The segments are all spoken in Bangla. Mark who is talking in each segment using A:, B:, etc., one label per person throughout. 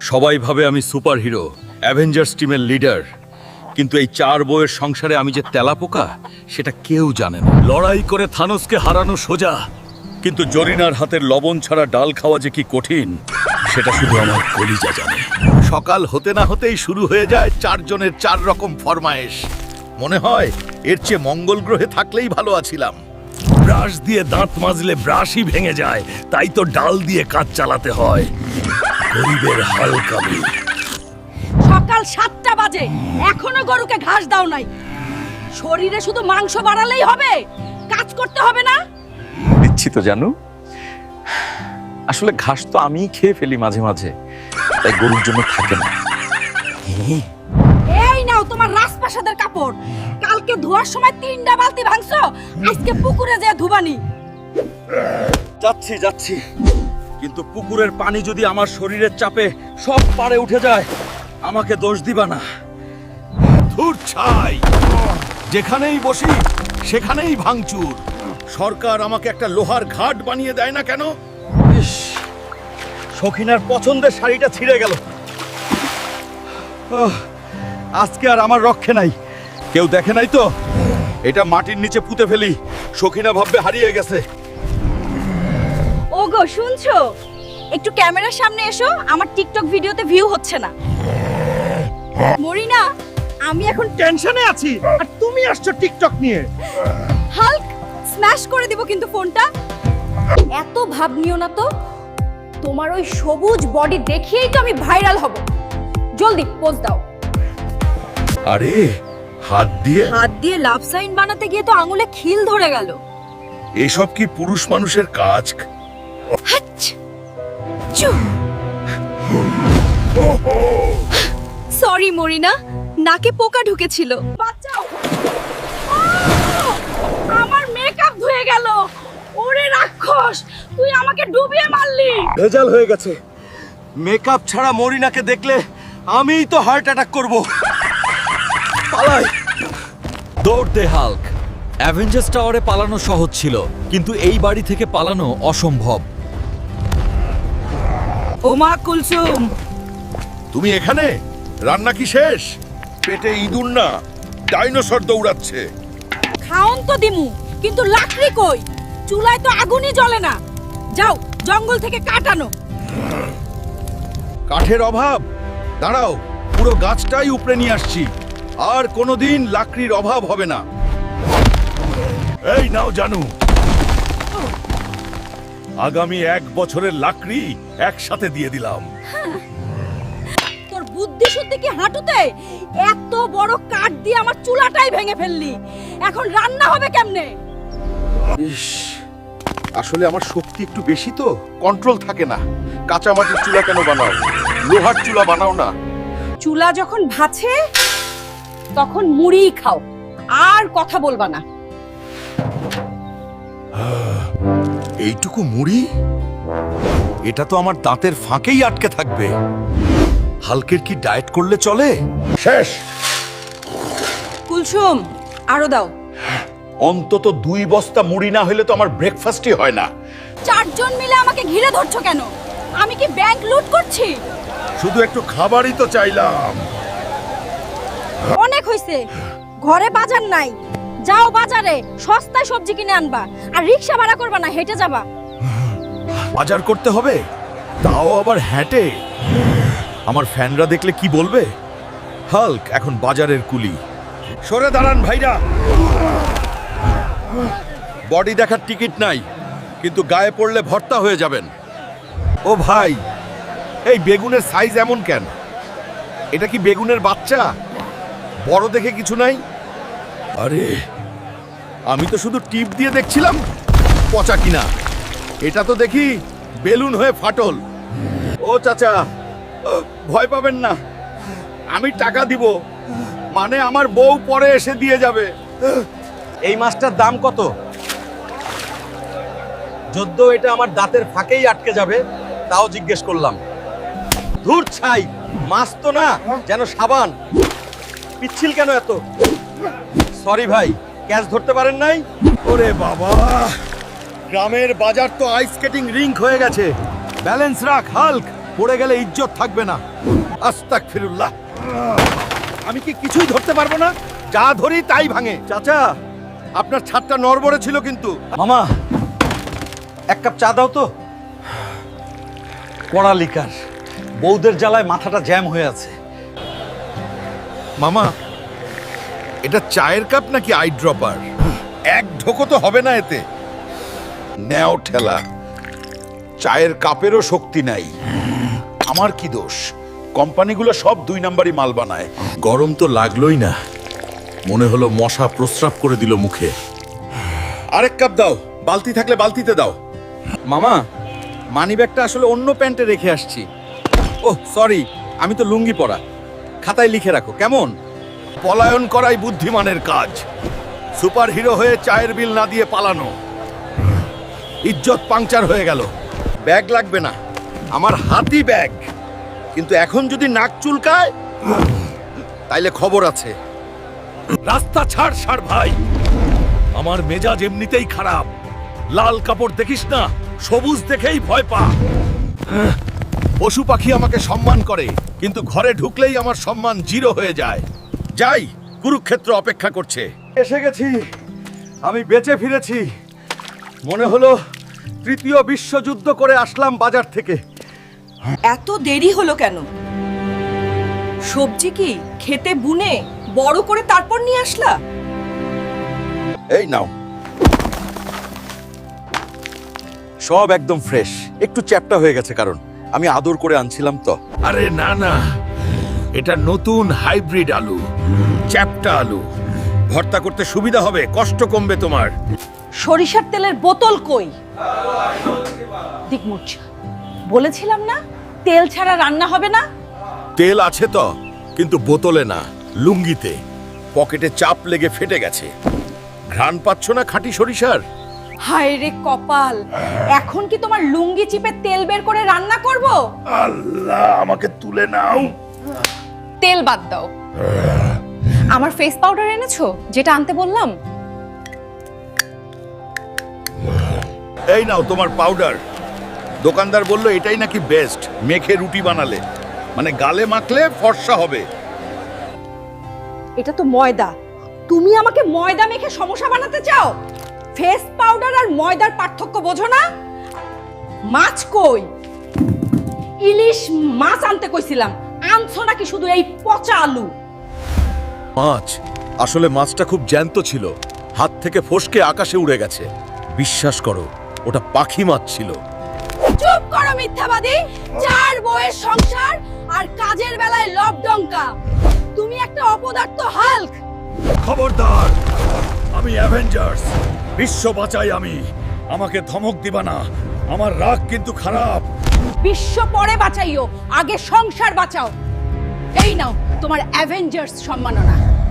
A: সবাই ভাবে আমি সুপারহিরো, অ্যাভেঞ্জার্স টিমের লিডার, কিন্তু এই 4 বউয়ের সংসারে আমি যে তেলাপোকা সেটা কেউ জানে না। লড়াই করে থানোসকে হারানো সোজা, কিন্তু জরিনার হাতের লবণ ছাড়া ডাল খাওয়া যে কি কঠিন সেটা শুধু আমার কলিজা জানে। সকাল হতে না হতেই শুরু হয়ে যায় 4 জনের 4 রকম ফরমায়েশ। মনে হয় এর চেয়ে মঙ্গল গ্রহে থাকলেই ভালো আছিলাম। ব্রাশ দিয়ে দাঁত মাজলে ব্রাশই ভেঙে যায়, তাই তো ডাল দিয়ে কাজ চালাতে হয়। গরিবের হাল কাবি।
B: সকাল 7টা বাজে, এখনো গরুকে ঘাস দাও নাই। শরীরে শুধু মাংস বাড়ালেই হবে, কাজ করতে হবে না?
C: দিচ্ছি তো জানু, আসলে ঘাস তো আমিই খেয়ে ফেলি মাঝে মাঝে, তাই গরুর জন্য থাকে না।
B: এই নাও তোমার রাজপ্রাসাদের কাপড়। কালকে ধোয়ার সময় 3টা বালতি ভাঙছো, আজকে পুকুরে যেয়ে ধুবানি।
A: যাচ্ছি, কিন্তু পুকুরের পানি যদি আমার শরীরের চাপে সব পারে উঠে যায়, আমাকে দোষ দিবা না। ধুর ছাই, যেখানেই বসি সেখানেই ভাঙচুর। সরকার আমাকে একটা লোহার ঘাট বানিয়ে দেয় না কেন? ইস, সখিনার পছন্দের শাড়িটা ছিঁড়ে গেল। আজকে আর আমার রক্ষে নাই। কেউ দেখে নাই তো? এটা মাটির নিচে পুঁতে ফেলি, সখিনা ভাববে হারিয়ে গেছে।
B: ওগো শুনছো? একটু ক্যামেরার সামনে এসো, আমার টিকটক ভিডিওতে ভিউ হচ্ছে না। মরিনা, আমি এখন
D: টেনশনে আছি আর তুমি আসছো টিকটক নিয়ে।
B: হাল্ক স্ম্যাশ করে দিব কিন্তু ফোনটা। এত ভাব নিও না তো, তোমার ওই সবুজ বডি দেখিয়েই তো আমি ভাইরাল হব। জলদি পোজ দাও।
A: আরে হাত দিয়ে
B: লাভ সাইন বানাতে গিয়ে তো আঙুলে খিল ধরে গেল।
A: এসব কি পুরুষ মানুষের কাজ?
B: সরি মরিনা, নাকে পোকা ঢুকেছিল। বাঁচাও! আমার মেকআপ ধুয়ে গেল। ওরে রাক্ষস, তুই আমাকে ডুবিয়ে মারলি।
A: ভেজাল হয়ে গেছে। মেকআপ ছাড়া মরিনাকে দেখলে আমিই তো হার্ট অ্যাটাক করব। পালাই। দৌড় দে হাল্ক। অ্যাভেঞ্জার্স টাওয়ারে পালানো সহজ ছিল, কিন্তু এই বাড়ি থেকে পালানো অসম্ভব।
B: ওমা কুলসুম,
A: তুমি এখানে? রান্না কি শেষ? পেটে ইঁদুর না, ডাইনোসর দৌড়াচ্ছে।
B: খাওন তো দিমু, কিন্তু লাকড়ি কই? চুলায় তো আগুনই জ্বলে না। যাও জঙ্গল থেকে কাঠ আনো।
A: কাঠের অভাব? দাঁড়াও, পুরো গাছটাই উপড়ে নিয়ে আসছি। আর কোনোদিন লাকড়ির অভাব হবে না। এই নাও জানু, আগামী 1 বছরের লাকড়ি একসাথে দিয়ে দিলাম।
B: তোর বুদ্ধি শুদ্ধি কি হাঁটুতে? এত বড় কাঠ দিয়ে আমার চুলাটাই ভেঙে ফেললি। এখন রান্না হবে কেমনে?
A: ইস, আসলে আমার শক্তি একটু বেশি তো, কন্ট্রোল থাকে না। কাঁচা মাটির চুলা কেন বানাও? লোহার চুলা বানাও না।
B: চুলা যখন ভাছে তখন মুড়ি খাও, আর কথা বলবা না।
A: এইটুকু মুড়ি? এটা তো আমার দাঁতের ফাঁকেই আটকে থাকবে। হালকের কি ডায়েট করলে চলে? শেষ।
B: কুলসুম, আরো দাও।
A: অন্তত 2 বস্তা মুড়ি না হলে তো আমার ব্রেকফাস্টই হয় না।
B: 4 জন মিলে আমাকে ঘিরে ধরছো কেন? আমি কি ব্যাংক লুট করছি?
A: শুধু একটু খাবারই তো চাইলাম।
B: অনেক হইছে, ঘরে বাজার নাই। যাও বাজারে, সস্তায় সবজি কিনে আনবা। আর রিকশা ভাড়া করবা না, হেঁটে যাবা।
A: বাজার করতে হবে, তাও আবার হেঁটে। আমার ফ্যানরা দেখলে কি বলবে? হাল্ক এখন বাজারের কুলি। সরে দাঁড়ান ভাইরা। বডি দেখার টিকিট নাই, কিন্তু গায়ে পড়লে ভর্তা হয়ে যাবেন। ও ভাই, এই বেগুনের সাইজ এমন কেন? এটা কি বেগুনের বাচ্চা? বড় দেখে কিছু নাই? আরে, আমি তো শুধু টিপ দিয়ে দেখছিলাম পচা কিনা। এটা তো দেখি বেলুন হয়ে ফাটল। ও চাচা, ভয় পাবেন না, আমি টাকা দিব। মানে আমার বউ পরে এসে দিয়ে যাবে।
D: এই মাছটার দাম কত? যদ্দ এটা আমার দাঁতের ফাঁকেই আটকে যাবে, তাও জিজ্ঞেস করলাম। ধুর ছাই, মাছ তো না, যেন সাবান। পিচ্ছিল কেন এত? সরি ভাই, ক্যাচ ধরতে পারেন নাই?
A: ওরে বাবা, গ্রামের বাজার তো আইস স্কেটিং রিঙ্ক হয়ে গেছে। ব্যালেন্স রাখ হাল্ক, পড়ে গেলে ইজ্জত থাকবে না। আস্তাগফিরুল্লাহ। আমি কি কিছুই ধরতে পারবো না? যা ধরি তাই ভাঙে। চাচা, আপনার ছাদটা নড়বড়ে ছিল কিন্তু।
D: মামা, এক কাপ চা দাও তো। পড়ালিকার বউদের জ্বালায় মাথাটা জ্যাম হয়ে আছে।
A: মামা, এটা চায়ের কাপ নাকি আই ড্রপার? এক ঢোকো তো হবে না এতে। নেও ঠেলা। চায়ের কাপেরও শক্তি নাই। আমার কি দোষ? কোম্পানিগুলো সব 2 নাম্বারই মাল বানায়। গরম তো লাগলোই না, মনে হলো মশা প্রস্রাব করে দিল মুখে। আরেক কাপ দাও, বালতি থাকলে বালতিতে দাও।
D: মামা, মানিব্যাগটা আসলে অন্য প্যান্টে রেখে আসছি। ওহ সরি, আমি তো লুঙ্গি পরা। খাতায় লিখে রাখো কেমন?
A: পলায়ন করাই বুদ্ধিমানের কাজ। সুপারহিরো হয়ে চায়ের বিল না দিয়ে পালানো। ইজ্জত পাংচার হয়ে গেল। ব্যাগ লাগবে না, আমার হাতি ব্যাগ। কিন্তু এখন যদি নাক চুলকায় তাইলে খবর আছে। রাস্তা ছাড় সার ভাই, আমার মেজাজ এমনিতেই খারাপ। লাল কাপড় দেখিস না, সবুজ দেখেই ভয় পা। পশু পাখি আমাকে সম্মান করে, কিন্তু ঘরে ঢুকলেই আমার সম্মান 0 হয়ে যায়। যাই, কুরুক্ষেত্র অপেক্ষা করছে।
D: এসে গেছি, আমি বেঁচে ফিরেছি। মনে হলো 3য় বিশ্বযুদ্ধ করে আসলাম বাজার থেকে।
E: এত দেরি হলো কেন? সবজি কি খেতে বুনে বড় করে তারপর নিয়ে আসলা?
A: এই নাও।
D: সব একদম ফ্রেশ। একটু চ্যাপ্টা হয়ে গেছে কারণ আমি আদর করে আনছিলাম তো।
A: আরে না না, এটা নতুন হাইব্রিড আলু, চ্যাপ্টা আলু। ভর্তা করতে সুবিধা হবে, কষ্ট কমবে তোমার।
B: সরিষার তেলের বোতল কই? দিকমুচ, বলেছিলাম না তেল ছাড়া রান্না হবে না।
A: তেল আছে তো, কিন্তু বোতলে না, লুঙ্গিতে। পকেটে চাপ লেগে ফেটে গেছে। ঘ্রাণ পাচ্ছ না খাঁটি সরিষার?
B: হায় রে কপাল, এখন কি তোমার লুঙ্গি চিপে তেল বের করে রান্না করব?
A: আল্লাহ, আমাকে তুলে নাও।
B: তেল বাদ দাও। আমার ফেস পাউডার এনেছো যেটা আনতে বললাম?
A: এই নাও তোমার পাউডার। দোকানদার বলল এটাই নাকি বেস্ট, মেখে রুটি বানালে, মানে গালে মাখলে ফর্সা হবে।
B: এটা তো ময়দা। তুমি আমাকে ময়দা মেখে সমস্যা বানাতে চাও? ফেস পাউডার আর ময়দার পার্থক্য বোঝো না? মাছ কই? ইলিশ মাছ আনতে কইছিলাম, আনছো নাকি শুধু এই পচা আলু?
A: মাছ, আসলে মাছটা খুব জ্যান্ত ছিল, হাত থেকে ফসকে আকাশে উড়ে গেছে। বিশ্বাস করো, ওটা পাখি মাছ ছিল।
B: চুপ করো মিথ্যাবাদী! 4 বউয়ের সংসার আর কাজের বেলায় লবডঙ্কা। তুমি একটা অপদার্থ হাল্ক।
A: খবরদার, আমি অ্যাভেঞ্জার্স, বিশ্ব বাঁচাই আমি। আমাকে ধমক দিবা না, আমার রাগ কিন্তু খারাপ।
B: বিশ্ব পরে বাঁচাইও, আগে সংসার বাঁচাও। এই নাও তোমার অ্যাভেঞ্জার্স সম্মাননা।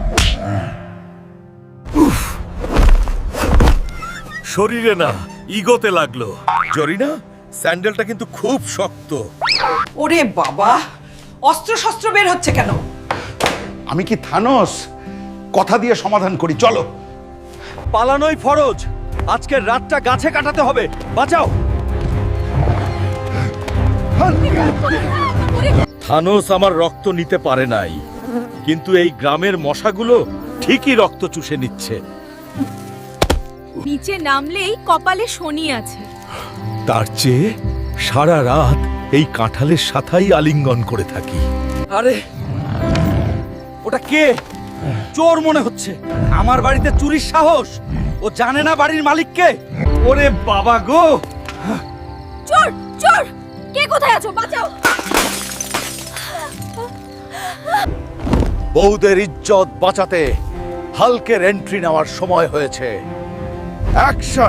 A: শরীরে না, ইগোতে লাগলো। জরিনা, স্যান্ডেলটা কিন্তু খুব শক্ত।
E: ওরে বাবা, অস্ত্র শস্ত্র বের হচ্ছে কেন?
A: আমি কি থানোস? কথা দিয়ে সমাধান করি, চলো।
D: পালানোই ফরজ। আজকের রাতটা গাছে কাটাতে হবে। বাঁচাও।
A: থানোস আমার রক্ত নিতে পারে নাই, কিন্তু এই গ্রামের মশাগুলো ঠিকই রক্ত চুষে নিচ্ছে।
B: নিচে নামলেই কপালে শনি আছে।
A: তার চেয়ে সারা রাত এই কাঁঠালের সাথাই আলিঙ্গন করে থাকি।
D: আরে ওটা কে? চোর মনে হচ্ছে। আমার বাড়িতে চুরির সাহস। ও জানে না বাড়ির মালিককে। ওরে বাবা গো!
B: চোর চোর, কে কোথায় আছো? বাঁচাও।
A: বউদের ইজ্জত বাঁচাতে হালকের এন্ট্রি নেওয়ার সময় হয়েছে। অ্যাকশন!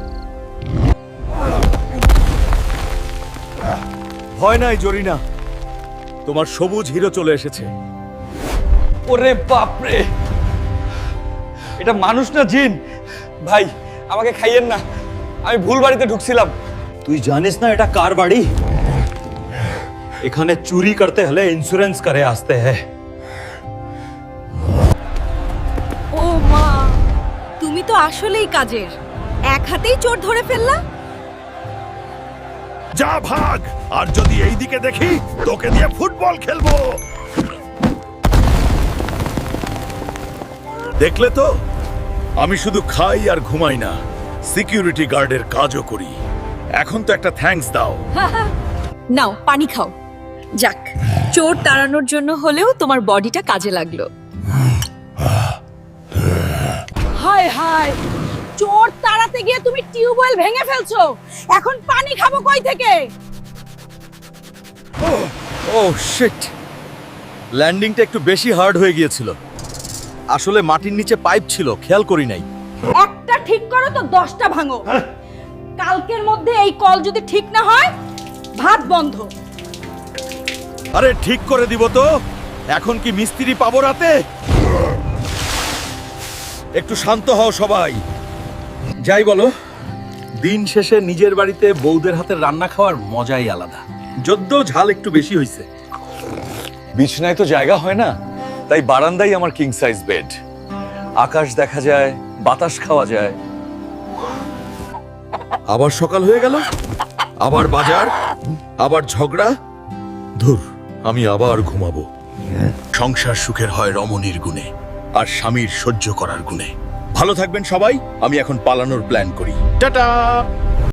D: ভয় নাই জরিনা,
A: তোমার সবুজ হিরো চলে এসেছে।
D: ওরে বাপরে, এটা মানুষ না জিন? ভাই আমাকে খাইয়েন না, আমি ভুল বাড়িতে ঢুকছিলাম। তুই জানিস না এটা কার বাড়ি? এখানে চুরি করতে হলে ইন্স্যুরেন্স করে আসতে হয়।
B: ও মা, তুমি তো আসলেই কাজের। এক হাতেই চোর ধরে ফেললা।
F: যা ভাগ, আর যদি এই দিকে দেখি তোকে দিয়ে ফুটবল খেলবো।
A: দেখলে তো, আমি শুধু খাই আর ঘুমাই না, সিকিউরিটি গার্ডের কাজও করি। এখন তো একটা থ্যাঙ্কস দাও।
G: নাও পানি খাও। যাক, চোর তাড়ানোর জন্য হলেও তোমার বডিটা কাজে লাগলো।
B: হায় হায়, চোর তাড়াতে গিয়ে তুমি টিউবওয়েল ভেঙে ফেলছো। এখন পানি খাবো কই থেকে?
A: ও শিট, ল্যান্ডিংটা একটু বেশি হার্ড হয়ে গিয়েছিল। আসলে মাটির নিচে পাইপ ছিল, খেয়াল করি নাই।
B: একটা ঠিক করো তো 10টা ভাঙো। কালকের মধ্যে এই কল যদি ঠিক না হয়, ভাত বন্ধ।
A: আরে ঠিক করে দিব তো। এখন কি মিস্ত্রি পাবো রাতে? একটু শান্ত হও সবাই। যাই বলো, দিন শেষে নিজের বাড়িতে বউদের হাতের রান্না খাওয়ার মজাই আলাদা। যদ্য ঝাল একটু বেশি হয়েছে।
C: বিছনায় তো জায়গা হয় না, তাই বারান্দাই আমার কিং সাইজ বেড। আকাশ দেখা যায়, বাতাস খাওয়া যায়।
A: আবার সকাল হয়ে গেল, আবার বাজার, আবার ঝগড়া। ধুর, আমি আবার ঘুমাবো। সংসার সুখের হয় রমণীর গুণে, আর স্বামীর সহ্য করার গুণে। ভালো থাকবেন সবাই। আমি এখন পালানোর প্ল্যান করি। টাটা।